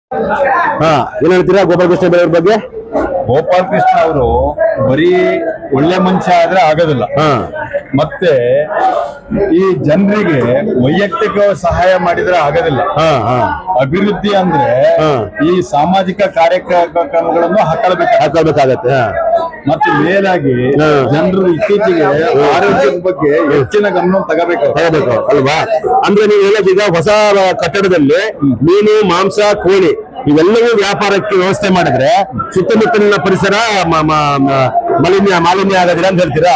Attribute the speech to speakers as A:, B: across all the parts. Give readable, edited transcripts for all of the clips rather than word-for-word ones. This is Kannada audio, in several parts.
A: ಹಾ, ಏನ್ ಹೇಳ್ತೀರಾ ಗೋಪಾಲ ಕೃಷ್ಣ ಬೇರೆಯವ್ರ ಬಗ್ಗೆ?
B: ಗೋಪಾಲ್ ಕೃಷ್ಣ ಅವರು ಬರೀ ಒಳ್ಳೆ ಮನುಷ್ಯ ಆದ್ರೆ ಆಗೋದಿಲ್ಲ. ಮತ್ತೆ ಈ ಜನರಿಗೆ ವೈಯಕ್ತಿಕ ಸಹಾಯ ಮಾಡಿದ್ರೆ ಆಗೋದಿಲ್ಲ. ಅಭಿವೃದ್ಧಿ ಅಂದ್ರೆ ಈ ಸಾಮಾಜಿಕ ಕಾರ್ಯಕ್ರಮಗಳನ್ನು ಹಾಕಬೇಕಾಗತ್ತೆ. ಮತ್ತೆ ಮೇಲಾಗಿ ಜನರು ಇತ್ತೀಚೆಗೆ ಆರೋಗ್ಯದ ಬಗ್ಗೆ ಹೆಚ್ಚಿನ ಗಮನ ತಗೋಬೇಕು
A: ಅಲ್ವಾ? ಅಂದ್ರೆ ನೀವು ಹೇಳೋದೀಗ ಹೊಸ ಕಟ್ಟಡದಲ್ಲಿ ಮೀನು, ಮಾಂಸ, ಕೋಳಿ ಇವೆಲ್ಲವೂ ವ್ಯಾಪಾರಕ್ಕೆ ವ್ಯವಸ್ಥೆ ಮಾಡಿದ್ರೆ ಸುತ್ತಮುತ್ತಲಿನ ಪರಿಸರ ಮಾಲಿನ್ಯ ಆಗೋದಿಲ್ಲ ಅಂತ ಹೇಳ್ತೀರಾ?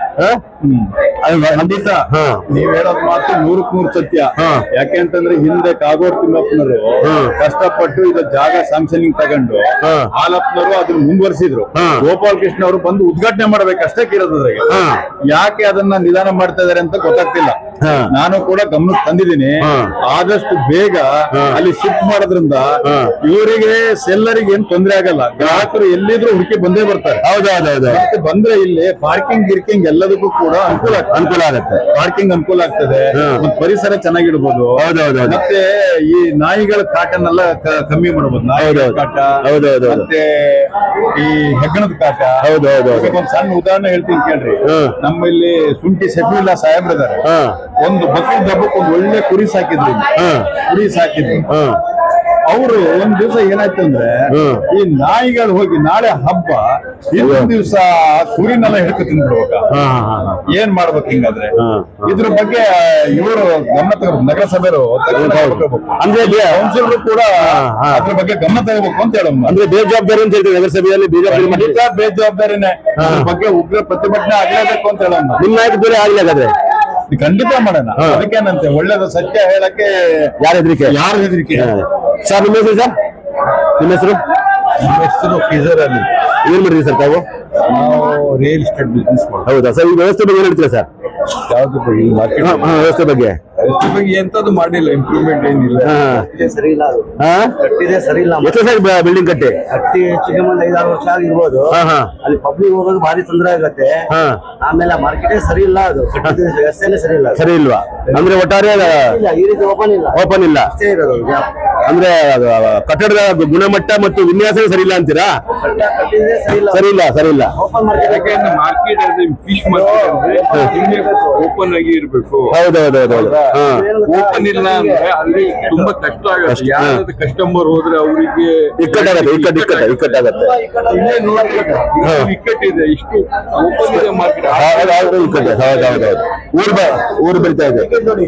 B: ಖಂಡಿತ ನೀವ್ ಹೇಳೋದ್ ಮಾತು 100% ಸತ್ಯ. ಯಾಕೆಂತಂದ್ರೆ ಹಿಂದೆ ಕಾಗೋಡು ತಿಮ್ಮಪ್ಪನವರು ಕಷ್ಟಪಟ್ಟು ಇದು ಜಾಗ ಸ್ಯಾಂಕ್ಷನಿಂಗ್ ತಗೊಂಡು ಹಾಲಪ್ಪನವರು ಅದನ್ನ ಮುಂದುವರಿಸಿದ್ರು. ಗೋಪಾಲ್ ಕೃಷ್ಣ ಅವರು ಬಂದು ಉದ್ಘಾಟನೆ ಮಾಡ್ಬೇಕಷ್ಟೇ ಇರೋದ್ರಾಗೆ. ಯಾಕೆ ಅದನ್ನ ನಿಧಾನ ಮಾಡ್ತಾ ಇದಾರೆ ಅಂತ ಗೊತ್ತಾಗ್ತಿಲ್ಲ. ನಾನು ಕೂಡ ಗಮನಕ್ಕೆ ತಂದಿದ್ದೀನಿ. ಆದಷ್ಟು ಬೇಗ ಅಲ್ಲಿ ಶಿಫ್ಟ್ ಮಾಡೋದ್ರಿಂದ ಇವರಿಗೆ ಸೆಲ್ಲರಿಗೆ ಏನ್ ತೊಂದರೆ ಆಗಲ್ಲ. ಗ್ರಾಹಕರು ಎಲ್ಲಿದ್ರು ಹುಡುಕಿ ಬಂದೇ ಬರ್ತಾರೆ. ಮತ್ತೆ ಬಂದ್ರೆ ಇಲ್ಲಿ ಪಾರ್ಕಿಂಗ್ ಗಿರ್ಕಿಂಗ್ ಎಲ್ಲದಕ್ಕೂ ಕೂಡ ಅನುಕೂಲ ಆಗುತ್ತೆ. ಪಾರ್ಕಿಂಗ್ ಅನುಕೂಲ ಆಗ್ತದೆ. ಪರಿಸರ ಚೆನ್ನಾಗಿಡ್ಬೋದು. ಮತ್ತೆ ಈ ನಾಯಿಗಳ ಕಾಟನ್ನೆಲ್ಲ ಕಮ್ಮಿ ಮಾಡಬಹುದು. ನಾಯಿಗಳ ಕಾಟ ಮತ್ತೆ ಈ ಹೆಗ್ಗಣದ ಕಾಟ. ಒಂದ್ ಸಣ್ಣ ಉದಾಹರಣೆ ಹೇಳ್ತೀನಿ ಕೇಳ್ರಿ. ನಮ್ಮಲ್ಲಿ ಶುಂಠಿ ಶಫೀಲಾ ಸಾಹೇಬ್ರಿದ್ದಾರೆ. ಒಂದು ಬಕ್ರೀದ್ ಹಬ್ಬಕ್ಕೆ ಒಂದು ಒಳ್ಳೆ ಕುರಿ ಸಾಕಿದ್ರು. ಅವರು ಒಂದ್ ದಿವಸ ಏನಾಯ್ತು ಅಂದ್ರೆ ಈ ನಾಯಿಗಳು ಹೋಗಿ ನಾಳೆ ಹಬ್ಬ ಇನ್ನೊಂದ್ ದಿವಸ ಕುರಿನೆಲ್ಲ ಹಿಡ್ಕೊ ತಿಂದ್ಬಿಡ್ಬೇಕ. ಏನ್ ಮಾಡ್ಬೇಕು ಹಿಂಗಾದ್ರೆ? ಇದ್ರ ಬಗ್ಗೆ ಇವರು ಗಮನ ತಗೋಬೇಕು. ನಗರಸಭೆಯವರು ಅಂದ್ರೆ ಕೌನ್ಸಿಲರು ಕೂಡ ಅದ್ರ ಬಗ್ಗೆ ಗಮನ ತಗೋಬೇಕು ಅಂತ ಹೇಳೋಣ.
A: ಅಂದ್ರೆ ಬೇಜವಾಬ್ದಾರಿ ಅಂತ ಹೇಳ್ತೀವಿ ನಗರಸಭೆಯಲ್ಲಿ.
B: ಬೇಜವಾಬ್ದಾರಿನೇ. ಅದ್ರ ಬಗ್ಗೆ ಉಗ್ರ ಪ್ರತಿಭಟನೆ ಆಗ್ಲೇಬೇಕು ಅಂತ ಹೇಳೋಣ.
A: ನಿಮ್ಮ ನಾಯಕ ಬೇರೆ ಆಗ್ಲಾಗಾದ್ರೆ
B: ಖಂಡಿತ ಮಾಡೋಣ. ಅದಕ್ಕೇನಂತೆ ಒಳ್ಳೇದು ಸತ್ಯ ಹೇಳಕ್ಕೆ ಯಾರ ಹೆದರಿಕೆ?
A: ಸರ್ ನಿಮ್ಮ ಹೆಸರು? ಸರ್ ನಿಮ್ಮ ಹೆಸರು?
B: ನಮ್ಮ ಹೆಸರು ಫೀಸರ್ ಅಲ್ಲಿ.
A: ಏನ್ ಮಾಡಿದ್ರಿ ಸರ್ ತಾವು?
B: ನಾವು ರಿಯಲ್ ಎಸ್ಟೇಟ್ ಬಿಸ್ನೆಸ್ ಮಾಡ್ತೀವಿ.
A: ಹೌದಾ ಸರ್? ಈ ವ್ಯವಸ್ಥೆ ಬಗ್ಗೆ ಏನ್ ಹೇಳ್ತೀರಾ ಸರ್?
B: ಯಾವ್ದು
A: ವ್ಯವಸ್ಥೆ ಬಗ್ಗೆ
B: ಎಂತದ್ದು ಮಾಡಿಲ್ಲ. ಇಂಪ್ರೂವ್ಮೆಂಟ್ ಏನಿಲ್ಲ.
C: ಸರಿ ಇಲ್ಲ. ಕಟ್ಟಿದೆ ಸರಿ ಇಲ್ಲ.
A: ಎಷ್ಟು ಸರ್ ಬಿಲ್ಡಿಂಗ್ ಕಟ್ಟಿ
C: ಹೆಚ್ಚಿಗೆ ಒಂದು 5-6 ವರ್ಷ ಆಗಿರ್ಬೋದು. ಅಲ್ಲಿ ಪಬ್ಲಿಕ್ ಹೋಗೋದು ಭಾರಿ ತೊಂದರೆ ಆಗತ್ತೆ. ಆಮೇಲೆ ಮಾರ್ಕೆಟೇ ಸರಿ ಇಲ್ಲ. ಅದು ವ್ಯವಸ್ಥೆನೇ ಸರಿ ಇಲ್ಲ.
A: ಸರಿ ಇಲ್ವಾ? ಅಂದ್ರೆ ಒಟ್ಟಾರೆ
C: ಈ ರೀತಿ
A: ಓಪನ್ ಇಲ್ಲ
C: ಅಷ್ಟೇ ಇರೋದು.
A: ಅಂದ್ರೆ ಕಟ್ಟಡದ ಗುಣಮಟ್ಟ ಮತ್ತು ವಿನ್ಯಾಸ ಸರಿ ಇಲ್ಲ ಅಂತೀರಾ? ಸರಿ ಇಲ್ಲ.
B: Open market fish market open ಆಗಿ ಇರ್ಬೇಕು. ಓಪನ್ ಇಲ್ಲ ಅಂದ್ರೆ ಅಲ್ಲಿ ತುಂಬಾ ಕಷ್ಟ ಆಗುತ್ತೆ. ಯಾರಾದ್ರೂ ಕಸ್ಟಮರ್ ಹೋದ್ರೆ ಅವರಿಗೆ
A: ಇಕ್ಕಟ್ಟಾಗತ್ತೆ.
B: ಇಲ್ಲೇ ನೋಡಿ ಇಕ್ಕಟ್ಟಿದೆ. ಇಷ್ಟು ಓಪನ್ ಇದೆ ಮಾರ್ಕೆಟ್.
A: ಊರು ಬೆಳಿತಾ ಇದೆ.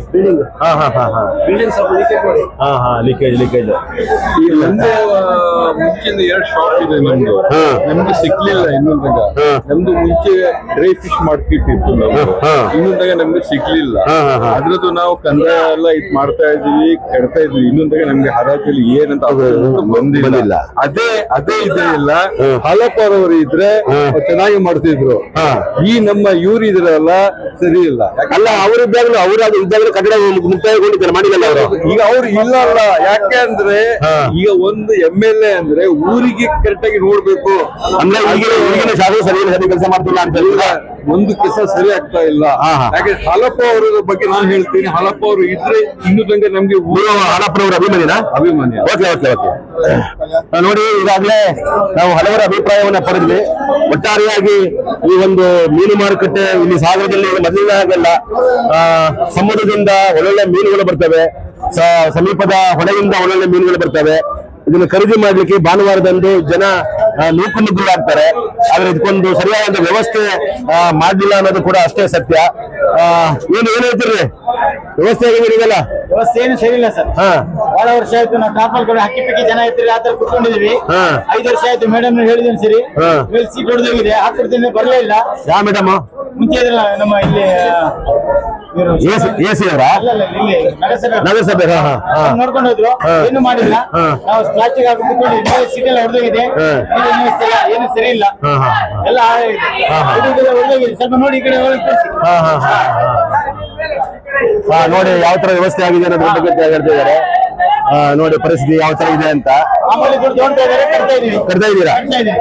A: ಲೀಕೇಜ್
B: ಈ ಒಂದು ಮುಂಚಿನ 2 ಶಾಪ್ ಇದೆ ನಮ್ದು. ನಮ್ಗೆ ಸಿಕ್ಲಿಲ್ಲ ಇನ್ನೊಂದಾಗ. ನಮ್ದು ಮುಂಚೆ ಡ್ರೈ ಫಿಶ್ ಮಾರ್ಕೆಟ್ ಇತ್ತು. ಇನ್ನೊಂದಾಗ ನಮ್ಗೆ ಸಿಕ್ಲಿಲ್ಲ. ಅದ್ರದ್ದು ನಾವು ಕಂದಾಯ ಎಲ್ಲ ಇದ್ ಮಾಡ್ತಾ ಇದೀವಿ, ಕೆಡ್ತಾ ಇದ್ವಿ. ಇನ್ನೊಂದಾಗ ನಮ್ಗೆ ಹರಾಜಲ್ಲಿ ಏನಂತ ಬಂದಿಲ್ಲ. ಅದೇ ಇದೆ ಇಲ್ಲ. ಹಾಲಪ್ಪರವರು ಇದ್ರೆ ಚೆನ್ನಾಗಿ ಮಾಡ್ತಿದ್ರು. ಈ ನಮ್ಮ ಇವ್ರು ಇದ್ರಲ್ಲ ಸರಿ ಇಲ್ಲ.
A: ಅಲ್ಲ ಅವರಿದ್ದಾಗಲೂ ಇದ್ದಾಗಲೂ ಕಟ್ಟಡ ಮುಕ್ತಾಯಗೊಂಡಿದ್ದಾರೆ, ಮಾಡಿಲ್ಲ ಅವರು.
B: ಈಗ ಅವ್ರು ಇಲ್ಲ ಅಲ್ಲ. ಯಾಕೆ ಅಂದ್ರೆ ಈಗ ಒಂದು MLA ಅಂದ್ರೆ ಊರಿಗೆ ಕರೆಕ್ಟ್ ಆಗಿ ನೋಡ್ಬೇಕು.
A: ಅಂದ್ರೆ ಈಗಿನ ಶಾಸಕ ಸರಿ ಕೆಲಸ ಮಾಡ್ತಿಲ್ಲ ಅಂತ
B: ಒಂದು ಕೆಲಸ ಸರಿ ಆಗ್ತಾ ಇಲ್ಲ. ಯಾಕೆ ಹಾಲಪ್ಪ ಅವರ ಬಗ್ಗೆ ನಾನು ಹೇಳ್ತೀನಿ. ಹಾಲಪ್ಪ ಅವರು ಇದ್ರೆ ಇನ್ನು ತನಕ ನಮ್ಗೆ
A: ಹಾಲಪ್ಪನವರ ಅಭಿಮಾನಿ. ಓಕೆ. ನೋಡಿ, ಈಗಾಗಲೇ ನಾವು ಹಲವರ ಅಭಿಪ್ರಾಯವನ್ನ ಪಡೆದ್ವಿ. ಒಟ್ಟಾರೆಯಾಗಿ ಈ ಒಂದು ಮೀನು ಮಾರುಕಟ್ಟೆ ಇಲ್ಲಿ ಸಾಗರದಲ್ಲಿ ಮೊದಲನೇ ಆಗಲ್ಲ. ಸಮುದ್ರದಿಂದ ಒಳ್ಳೊಳ್ಳೆ ಮೀನುಗಳು ಬರ್ತವೆ, ಸಮೀಪದ ಹೊಳೆಯಿಂದ ಒಳ್ಳೊಳ್ಳೆ ಮೀನುಗಳು ಬರ್ತವೆ. ಇದನ್ನು ಖರೀದಿ ಮಾಡ್ಲಿಕ್ಕೆ ಭಾನುವಾರದಂದು ಜನ ನೂಕುನುಗ್ಗುಲಾಗ್ತಾರೆ. ಆದ್ರೆ ಇದಕ್ಕೊಂದು ಸರಿಯಾದ ವ್ಯವಸ್ಥೆ ಮಾಡ್ಲಿಲ್ಲ ಅನ್ನೋದು ಕೂಡ ಅಷ್ಟೇ ಸತ್ಯ. ಏನ್ ಹೇಳ್ತೀರಿ? ವ್ಯವಸ್ಥೆ ಹೇಗಿದೆಯಲ್ಲ?
C: ವ್ಯವಸ್ಥೆ ಏನು ಸರಿ ಇಲ್ಲ ಸರ್. ಬಹಳ ವರ್ಷ ಆಯ್ತು. ನಾವು ಟಾಪಲ್ ಕಡೆ ಹಕ್ಕಿ ಪಕ್ಕಿ ಜನ ಇರ್ತೀರಿ, ಆತರ ಕುತ್ಕೊಂಡಿದೀವಿ. 5 ವರ್ಷ ಆಯ್ತು. ಮೇಡಮ್ ಹೇಳಿದೀನಿ ಸರಿ, ಮೇಲೆ ಸೀಟ್ ಹೊಡೆದೋಗಿದೆ. ಹಾಕ್ಬಿಡ್ತೀನಿ, ಬರ್ಲೇ ಇಲ್ಲ.
A: ಯಾವ ಮೇಡಮ್?
C: ಮುಂಚೆ ನಮ್ಮ ಇಲ್ಲಿ
A: ಎಸಿ ಅವರ ನಗರಸಭೆ
C: ನೋಡ್ಕೊಂಡು ಹೋದ್ರು. ಏನು ಮಾಡಿಲ್ಲ. ನಾವು ಪ್ಲಾಸ್ಟಿಕ್ ಹಾಕಿ ಕುತ್ಕೊಂಡಿದ್ವಿ. ಸೀಟ್ ಎಲ್ಲ ಹೊಡೆದೋಗಿದೆ. ಏನು ಸರಿ ಇಲ್ಲ. ಎಲ್ಲ ಹೊಡೆದೋಗಿದೆ. ಸ್ವಲ್ಪ ನೋಡಿ ಈ ಕಡೆ
A: ನೋಡಿ ಯಾವ ತರ ವ್ಯವಸ್ಥೆ ಆಗಿದೆ ಅನ್ನೋದ್ರ ಬಗ್ಗೆ ಹೇಳ್ತಿದ್ದಾರೆ. ನೋಡಿ ಪರಿಸ್ಥಿತಿ ಯಾವ ತರ ಇದೆ ಅಂತ. ಕಟ್ತಾ ಇದ್ದೀರಾ?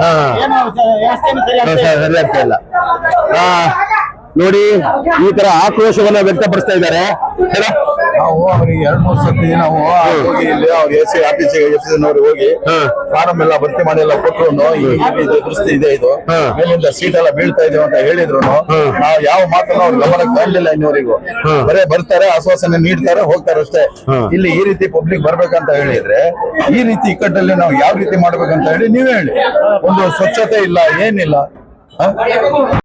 A: ಸರಿ ಆಗ್ತಾ ಇಲ್ಲ. ನೋಡಿ, ಈ ತರ ಆಕ್ರೋಶವನ್ನ ವ್ಯಕ್ತಪಡಿಸ್ತಾ ಇದ್ದಾರೆ.
B: ನಾವು ಅವ್ರಿಗೆ 2-3 ಸತಿ ನಾವು ಹೋಗಿ ಇಲ್ಲಿ ಅವ್ರು ಎಸ್ ಆಫೀಸಿಗೆ ಹೋಗಿ ಫಾರಂ ಎಲ್ಲ ಭರ್ತಿ ಮಾಡಿ ಎಲ್ಲ ಕೊಟ್ಟರು ಈ ದುರಸ್ತಿ ಇದೆ ಇದು ಮೇಲಿಂದ ಸೀಟ್ ಎಲ್ಲ ಬೀಳ್ತಾ ಇದೆ ಅಂತ ಹೇಳಿದ್ರು ನಾವು ಯಾವ ಮಾತನ್ನು ಅವ್ರ ಗಮನಕ್ಕೆ ತರಲಿಲ್ಲ ಇನ್ನವರಿಗೂ. ಬರೇ ಬರ್ತಾರೆ, ಆಶ್ವಾಸನೆ ನೀಡ್ತಾರೆ, ಹೋಗ್ತಾರೆ ಅಷ್ಟೇ. ಇಲ್ಲಿ ಈ ರೀತಿ ಪಬ್ಲಿಕ್ ಬರ್ಬೇಕಂತ ಹೇಳಿದ್ರೆ ಈ ರೀತಿ ಇಕ್ಕಟ್ಟಲ್ಲಿ ನಾವು ಯಾವ ರೀತಿ ಮಾಡ್ಬೇಕಂತ ಹೇಳಿ ನೀವೇ ಹೇಳಿ. ಒಂದು ಸ್ವಚ್ಛತೆ ಇಲ್ಲ, ಏನಿಲ್ಲ.